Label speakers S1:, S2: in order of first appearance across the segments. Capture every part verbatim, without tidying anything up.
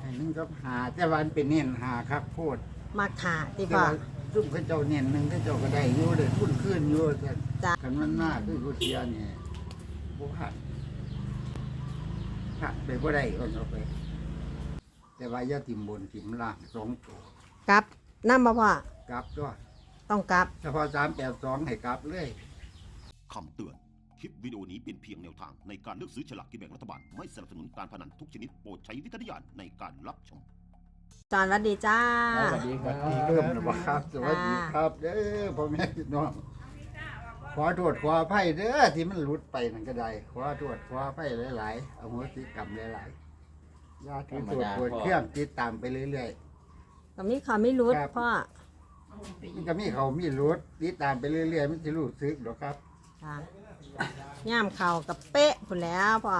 S1: ให้หนึ่งกับหาแต่วันเป็นเน้นหาครับโพด
S2: มักหาที่
S1: แต่
S2: พ่อ
S1: ว่าซุ่มเขาเจ้าเน้นหนึ่งเขาเจ้าก็ได้อยู่เด้คุ้นขึ้นอยู่แต่
S2: จ้ะ
S1: คันมันมากคือผู้เสียเนี่ยบ่หักหักไปบ่ได้ก็เอาไป แต่ว่าอย่าถิ่มบนถิ่มล่างสองตัว
S2: กลับน้ำบ่พ่อก
S1: ลับก็
S2: ต้องกลับ
S1: เฉพาะสามแปดสองให้กลับเลย
S3: คำเตือน คลิปวิดีโอนี้เป็นเพียงแนวทางในการเลือกซื้อฉลากกินแบ่งรัฐบาล ไม่สนับสนุนการพนันทุกชนิดโปรดใช้วิจารณญาณในการรับชม
S2: จอนสวัสดีจ้า
S4: สวัสดีครับ
S1: เริ่มแล้วบ่ครับสวัสดีครับเด้อพ่อแม่พี่น้องขอโทษขออภัยเด้อที่มันหลุดไปนั่นก็ได้ขอโทษขออภัยหลายๆเอาหัวสิกรรมหลายๆอย่าถือตัวปวดเครื่องติดตามไปเรื่อย
S2: ตอนนี้เขาไม่รู้
S1: ครับ
S2: พ่อ
S1: ๆมันก็มีเขามีรุดติดตามไปเรื่อยๆมันสิรู้สึกหรอกครับ
S2: จ้าย่ามเข่ากับเป๊ะพุ่นแล้วพ่อ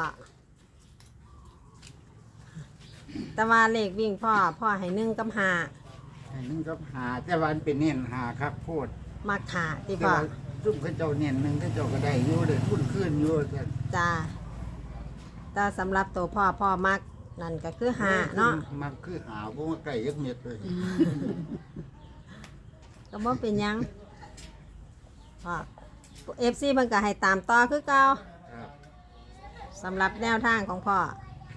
S2: แต่ว่าเลขวิ่งพ่อพ่อให้หนึ่งกับหา
S1: ให้หนึ่งกับหาแต่วันเป็นเน้นหาครับโพด
S2: มักหาที่
S1: แต่
S2: พ่อ
S1: ว่าซุ่มเขาเจ้าเน้นหนึ่งเขาเจ้าก็ได้อยู่เด้คุ้นขึ้นอยู่แต่
S2: จ้าแต่สำหรับตัวพ่อพ่อมักนั่นก็คือหาเนาะ
S1: มันคือหาเพราะว่าไก่ยักเม็ดเลย
S2: ก็บ่เป็นหยังพ่อเอฟซีเพิ่นก็ให้ตามต่อคือเก่า
S1: ครับ
S2: สำหรับแนวทางของพ่อ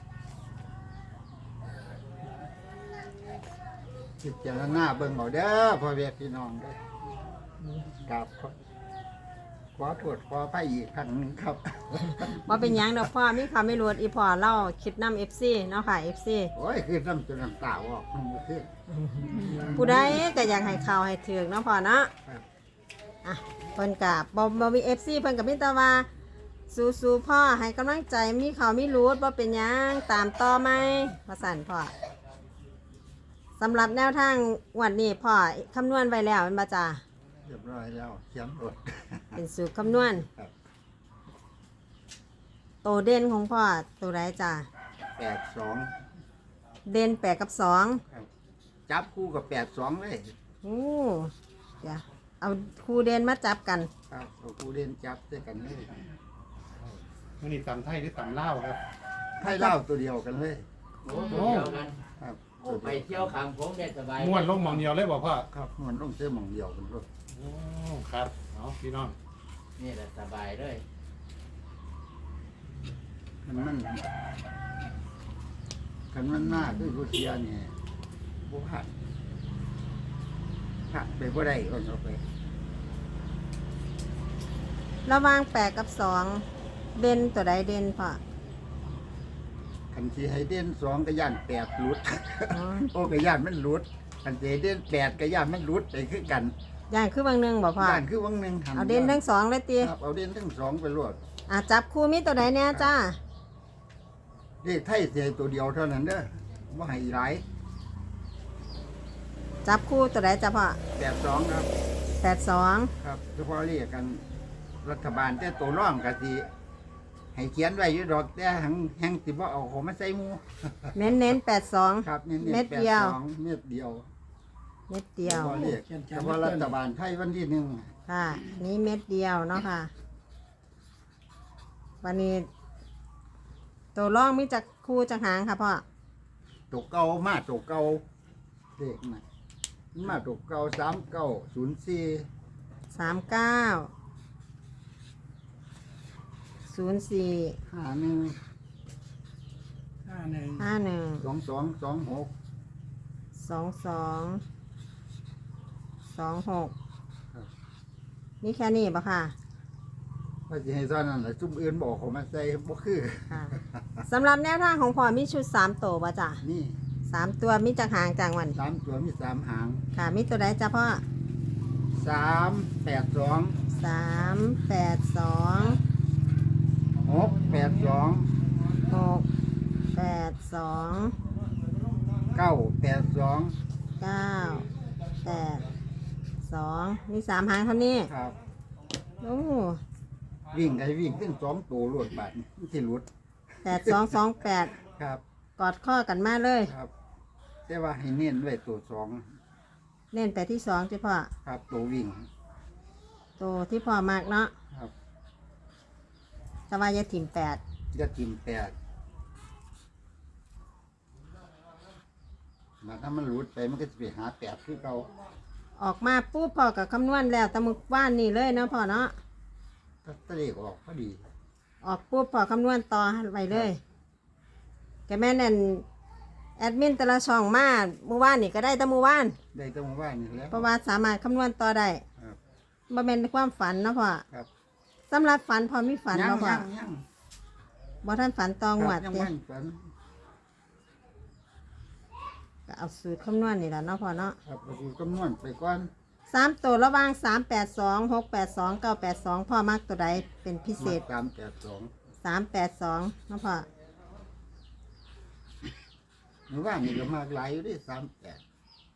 S1: พิจารณาเบิ่งเอาเด้อพ่อแม่พี่น้องเด้อครับขอขอโทษขออภัยอีกครั้งหนึงครับ
S2: ว่าเป็นหยังดอกพ่อมีเขาไม่รู้อีพ่อเล่าคิดน้ำเอฟซีเนาะค่ะเอฟซี
S1: โอ้ยคือน้ำจนน้ำตาออกทั้งหมดเลย
S2: ผู้ใดก็อยากให้ข่าวให้ถึงเนาะพ่อเนาะ
S1: ครับ
S2: อ่ะเพิ่นกับบอบมีเอฟซีเพิ่นกับมิตรว่าสู้สู้ๆพ่อให้กำลังใจมีเขาไม่รู้ว่าเป็นหยังตามต่อไหมมาสั่นพ่อสำหรับแนวทางงวันนี้พ่อคำนวณไว้แล้วมันบาจ่า
S1: เรียบร้อยแล้วเขียนรถ
S2: เป็นสูตรคำนวณ
S1: ครับ
S2: โตเด่นของพ่อตัวใดจ้า
S1: แปดสอง
S2: เด่นแปดกับสอง
S1: ครับจับคู่กับแปดสองเลย
S2: โอ้เดี๋ยวเอาครูเด่นมาจับกัน
S1: ครับเอาคู่เล่นจับด้วยกันเลย
S4: มันนี่ตำไทยหรือตำเล่าวครับ
S1: ไพ่เล่าตัวเดียวกันเลย
S5: โอ้ตัวเดียวกัน
S1: ครับ
S5: โอ้ไปเที่ยวขามโค้งได้สบาย
S4: ม้วนลงหมองเดียวเลยบอกพ่อ
S1: ครับมันต้องเสื้อหมองเดียวกันด้วย
S4: โอ้ครับเอาพี่น้อง
S5: นี่แหละสบายเลย
S1: มันมันคันมันมากคือผู้เสียเนี่ยบ่หักหักไปบ่ได้ก็เอาไป
S2: ระหว่างแปดกับสองเด่นตัวใดเด่นพ่อ
S1: คันที่ให้เด่นสองก็ย่านแปดหลุด
S2: อ๋อ
S1: โอ้ก็ย่านมันหลุดคันที่ให้เด่นแปดก็ย่านมันหลุดไปคือกัน
S2: อย่างคือบางหนึ่งบอกพ่อย่
S1: านคือวังหนึ่งหั
S2: เอาเด่นทั้งสองเลยตี
S1: ครับเอาเด่นทั้งสองไปรวด
S2: อ่ะจับคู่มีตัวใดเนี่ยจ้า
S1: เลขไทยเสียตัวเดียวเท่านั้นเด้อว่าให้หลาย
S2: จับคู่ตัวใดจ้าพ่อ
S1: แปดสองครับ
S2: แปดสอง
S1: ครับเฉพาะเรียกกันรัฐบาลแต่ตัวร่องกะสิให้เขียนไว้อยู่ดอกแต่หังแห่งสิบ่เอาของมาใส่หมู
S2: เน้นเน้นแปดสอง
S1: ครับนี่
S2: เม็ดเดียว
S1: สองเม็ดเดียว
S2: เม็ดเดียว
S1: ฉพาะเรียกเฉพาะรัฐบาลไทยวันที่หนึ่ง
S2: ค่ะ นี้เม็ดเดียวเนาะค่ะ วันนี้ ตัวร่องมีจักคู่จักหางค่ะพ่อ
S1: ตัวเก่ามาตัวเก่าเลขนะมาตัวเก่าสามเก้าศูนย์สี่
S2: สามเก้าศูนย์สี่
S1: ห้าหนึ่ง
S4: ห้าหนึ่ง
S2: ห้าหนึ่ง
S1: สองสองสองหก
S2: สองสองสองหกนี่แค่นี้ปะค่ะ
S1: ว่าจะให้ตอนนั้นแหละซุ่มอื่นบอกเขามาใส่บ่คือ
S2: ค่ะสำหรับแนวทางของพ่อมีชุดสามตัวป่ะจ้ะ
S1: นี่
S2: สามตัวมีจักหางจังวัน
S1: สามตัวมีสามหาง
S2: ค่ะ มีตัวใดจ้ะพ่อ
S1: สามแปดสอง
S2: สามแปดสอง
S1: หกแปดสอง
S2: หกแปดสอง
S1: เก้าแปดสอง
S2: เก้าแปดสองมีสามหางเท่านี้
S1: ครับ
S2: โอ้
S1: วิ่งไอ้วิ่งถึงสองตัวรวดบาทนี่ที่รุด
S2: แปดสองสองแปด
S1: ครับ
S2: กอดข้อกันมาเลย
S1: ครับ แต่ว่าให้เน้นไว้ตัวสอง
S2: เน้นไปที่สองจ้ะพ่อ
S1: ครับตัววิ่ง
S2: ตัวที่พ่อมากเนาะ
S1: ครับ
S2: จะว่าจะถิ่มแปด
S1: จะกินแปดมาถ้ามันหลุดไปมันก็จะไปหาแปดคือเก่า
S2: ออกมาปุ๊บพ่อกับคำนวณแล้วแตะมึกว่านนี่เลยเนาะพ่อเนาะ
S1: ถ้าตะเลขออกพอดี
S2: ออกปุ๊บพ่อคำนวณต่อไปเลยแกแม่นั่นแอดมินแต่ละช่องมาเมื่อวานนี่ก็ได้แต่เมื่อวาน
S1: ได้แตั้งว่านี่แหล้ว
S2: เพราะว่าสามารถคำนวณต่อได้
S1: ครับ
S2: บ่แม่นความฝันเนาะพ่อ
S1: ครับ
S2: สำหรับฝันพอมีฝัน
S1: ยัง
S2: บ่พ่อ
S1: ยังยัง
S2: บ่ท่านฝันตองหวัด
S1: ยัง
S2: เด้
S1: ไม่ฝัน
S2: ก็เอาสูตรคำนวณนี่แหละเนาะพ่อเนาะ
S1: ครับก็คือคำนวณไปก่อน
S2: สามตัวระหว่างสามแปดสองหกแปดสองเก้าแปดสองพ่อมักตัวใดเป็นพิเศษ
S1: สามแปดสอง
S2: สามแปดสองเนาะพ่อ
S1: หรือว่านี่ก็มากหลายอยู่ดิสามแปด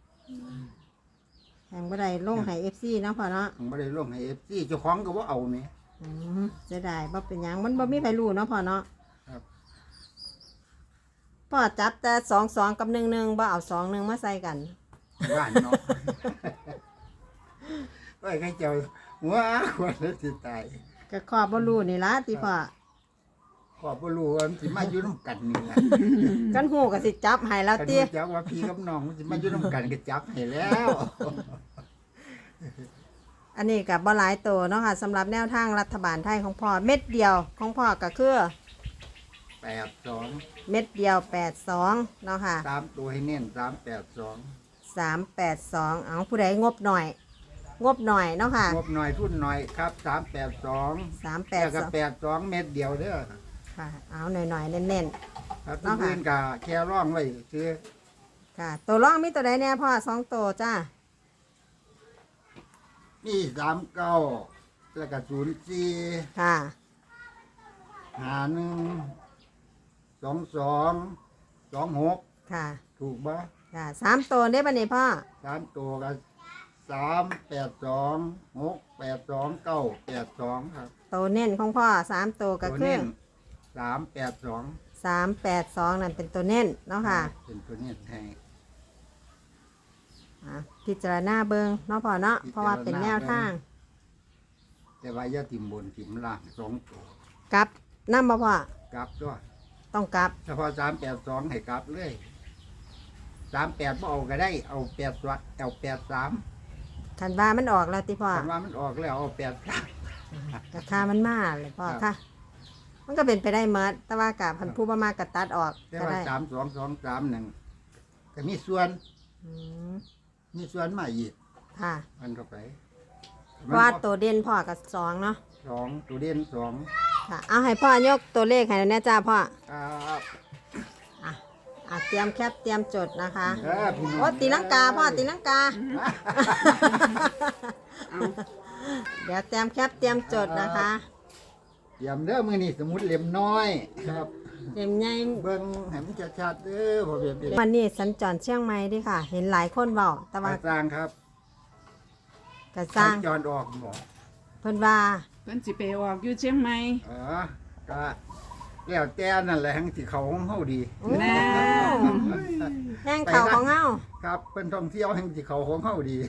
S2: แห่งบ่ได้ลงให้เอฟซีเนาะพ่อเนาะ
S1: ผมไม่ได้ลงให้เอฟซีเจ้าของก็ว่าเอาไหม
S2: อืมเสียดายบ่เป็นหยังมันบ่มีใครรู้เนาะพ่อเนาะ
S1: ครับ
S2: พ่อจับแต่สองสองกับหนึ่งหนึ่งบ่เอาสองหนึ่งมาใส่กัน
S1: ว่านเนาะ ไว้ใครเจ้าหัวควรจะสิตาย
S2: ก็ขอบบ่รู้นี่ล่ะติพ่อ
S1: ขอบรู้ว่ามันสิมาอยู่น้ำกันนี่แหละ
S2: กันหูก็สิจับให้แล้ว
S1: กัน
S2: ติ
S1: รู้จักว่าพี่กับน้องมันสิมาอยู่น้ำกันก็จับให้แล้ว
S2: อันนี้ก็บ่หลายตัวเนาะค่ะสำหรับแนวทางรัฐบาลไทยของพ่อเม็ดเดียวของพ่อก็คือ
S1: แปดสอง
S2: เม็ดเดียวแปดสองเนาะค่ะ
S1: สามตัวให้เน้นสามแปดสอง
S2: สามแปดสองเอาผู้ใดงบหน่อย งบหน่อยเนาะค่ะ
S1: งบหน่อยทุนหน่อยครับสามแปดสอง
S2: สามแป
S1: แต่
S2: ด
S1: กับ
S2: สอง
S1: แปดสองเม็ดเดียวเด้อ
S2: ค่ะ เอาหน่อยๆเน้น
S1: ครับ
S2: เนาะค่ะ
S1: เพื่อนๆกับแค่ร่องไว้คือ
S2: ๆค่ะ ตัวร่องมีตัวใดเนี่ยพ่อสองตัวจ้า
S1: นี่สามเก้าแล้วก็ศูนย์สี่
S2: ค่ะ
S1: หาหนึ่งสองสองสองหก
S2: ค่ะ
S1: ถูกบ่
S2: ค่ะสามตัวได้ปะเนี่ยพ่อ
S1: สามตัวกับสามแปดสองหกแปดสองเก้าแปดสองครับ
S2: ตัวเน้นของพ่อสามตัวก็
S1: ตัว
S2: คือ
S1: เน้นสามแปดสอง
S2: สามแปดสองนั่นเป็นตัวเน้นเนาะค่ะ
S1: เป็นตัวเน้นให้
S2: อ่ะพิจารณาเบิงเนาะพ่อเนาะเพราะว่าเป็นแนวทาง
S1: แต่ว่าอย่าติ่มบนติ่มล่างสองตัว
S2: กลับน้ำบ่พ่อก
S1: ลับด้วย
S2: ต้องกลับ
S1: เฉพาะสามแปดสองให้กลับเลยสามแปดไม่เอาก็ได้เอาแปดวัดเอาแปดสาม
S2: คันว่ามันออกแล้วติพ่อ
S1: คำว่ามันออกแล้วเอาแปดสาม
S2: ราคามันมาเลยพ่อ
S1: ครับ
S2: ค่ะ มันก็เป็นไปได้เมื่แต่ว่ากับพันผู้ประมากัตัดออก
S1: แต่
S2: ก็
S1: ว่า
S2: ได้
S1: สามสองสองสามหนึ่งก็มีส่วน
S2: อืม
S1: มีส่วนมาอีก
S2: ค่ะ
S1: มันเข้าไป
S2: เพราะว่าตัวเด่นพ่อกับสองเนาะ
S1: สองตัวเด่นสอง
S2: ค่ะ เอาให้พ่อยกตัวเลขให้แน่จ้าพ่อ
S1: ครับ
S2: อ่ะอ่ะเตรียมแคปเตรียมจดนะคะ
S1: เออพี่น้อง
S2: โอ้ตีลังกาพ่อตีลังกา เดี๋ยวเตรียมแคปเตรียมจดนะคะ
S1: เตรียมเด้อมือนี่สมุดเล่มน้อยครับ
S2: เต็มใหญ่
S1: เบิ่งให้มันชัดๆเด้อพอเปลี่ยนเป็น
S2: วันนี้สัญจรเชียงใหม่เดิค่ะ เห็นหลายคนเบาแต่ว่า
S1: สร้างครับ
S2: กระสร้าง
S1: จอนออกหมอ
S2: เพิ่นว่า
S6: เพิ่นสิไปออกอยู่เชียงใหม่
S1: เออก็แล้วแต่นั่นแหละทั้งสิเขาของเฮาดี
S2: โอ้
S6: แน่
S2: แห้งเข่าของเฮา
S1: ครับเป็นท่องเที่ยวแห่งที่เขาของเขาดี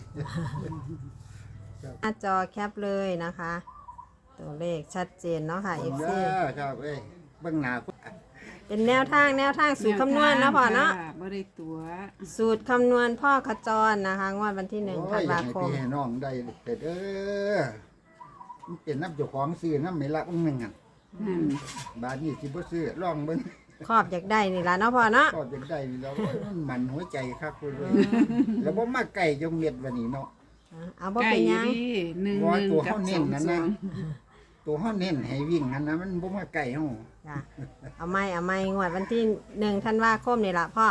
S2: หน้าจอแคปเลยนะคะ ตัวเลขชัดเจนเนาะค่ะ เอฟ
S1: เด้
S2: ซี
S1: อครับเอ้ยเบื้องหน้าคุณ
S2: เป็นแนวทางแนวทางสูตรคำนวณเนาะพ่อเนาะ
S6: จ้บ่ได้ตัว
S2: สูตรคำนวณพ่อขจรนะคะงวดวันที่หนึ่ง
S1: โอ้
S2: ธั
S1: ย
S2: น
S1: อยาว
S2: าก
S1: ให้
S2: คม
S1: พี่ให้น้องได้แต่เด้อมันเป็นน้ำเจ้าของซื้อน้ำไม่ละองค์หนึ่งอ่ะ
S6: นั่น
S1: บาทนี้สิบ่ซื้อลองเบิ่ง
S2: ครอบอยากได้นี่ละเนาะพ่อเนาะ
S1: ก็จะได้นี่แล้วโอ้ยมันหมันหัวใจครับคุณเลยแล้วบ่มาไก่จงเม็ดวันนี้เนาะ
S2: เอาบ่
S6: ไก่
S2: เป็นหยัง
S6: ดีหนึ่ง
S1: ว่า
S6: หนึ่ง
S1: ตัว
S6: กับ
S1: เขาเน้
S6: ส
S1: น
S6: อง
S1: นั่น
S6: ส
S1: นะ
S6: อง
S1: ตัวเฮาเน้นให้วิ่งนั่นนะมันบ่มาไก่เฮา
S2: จ้ะเอาไม่เอาไม่งวดวันที่หนึ่งธันวาคมนี่ละพ่อ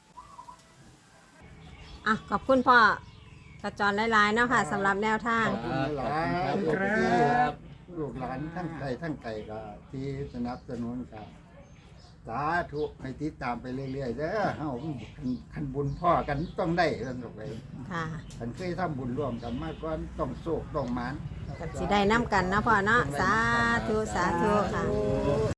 S2: อ่ะขอบคุณพ่อกระจรหลายๆเนาะค่ะสำหรับแนวทาง
S1: ขอบคุณหลาย
S5: ขอบคุณ
S1: ๆ
S5: ครับ
S1: ลูกหลานทั้งไกลทั้งไกลก็ที่สนับสนุนกันสาธุให้ติดตามไปเรื่อยๆเด้อเฮาคันคันบุญพ่อกันต้องได้กันต่อไป
S2: ค่ะ
S1: คันเคยทำบุญร่วมกันมาก่อนต้องโศกต้องหมาน
S2: กันสิได้น้ำกันเนาะพ่อเนาะสาธุสาธุค่ะ